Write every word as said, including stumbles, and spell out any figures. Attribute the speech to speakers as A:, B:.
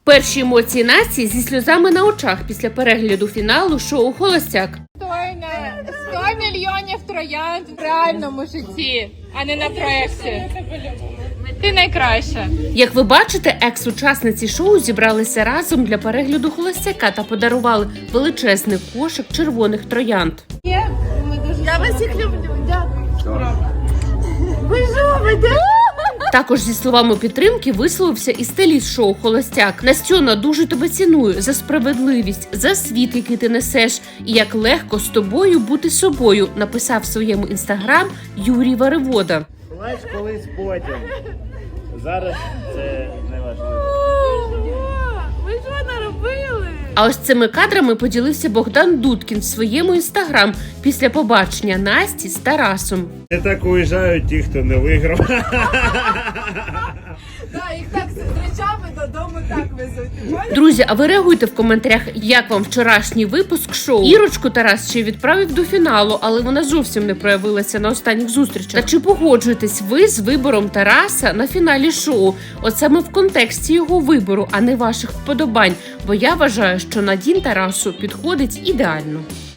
A: Перші емоції Насті зі сльозами на очах після перегляду фіналу шоу «Холостяк».
B: Достойна сто мільйонів троянд в реальному житті, а не на проєкті. Ти найкраща.
A: Як ви бачите, екс-учасниці шоу зібралися разом для перегляду «Холостяка» та подарували величезний кошик червоних троянд.
B: Я вас всіх люблю. Дякую. Ви що, ви де?
A: Також зі словами підтримки висловився і стиліст шоу «Холостяк». Настьона, дуже тебе ціную за справедливість, за світ, який ти несеш, і як легко з тобою бути собою, написав в своєму інстаграм Юрій Варивода.
C: Плач колись потім. Зараз це не важливо.
B: Ви що наробили?
A: А ось цими кадрами поділився Богдан Дудкін в своєму інстаграм після побачення Насті з Тарасом.
C: Не так уїжджають ті, хто не виграв.
B: Так, їх так з речами додому так везуть.
A: Друзі, а ви реагуйте в коментарях, як вам вчорашній випуск шоу. Ірочку Тарас ще відправив до фіналу, але вона зовсім не проявилася на останніх зустрічах. Та чи погоджуєтесь ви з вибором Тараса на фіналі шоу? От саме в контексті його вибору, а не ваших вподобань. Бо я вважаю, що Надін Тарасу підходить ідеально.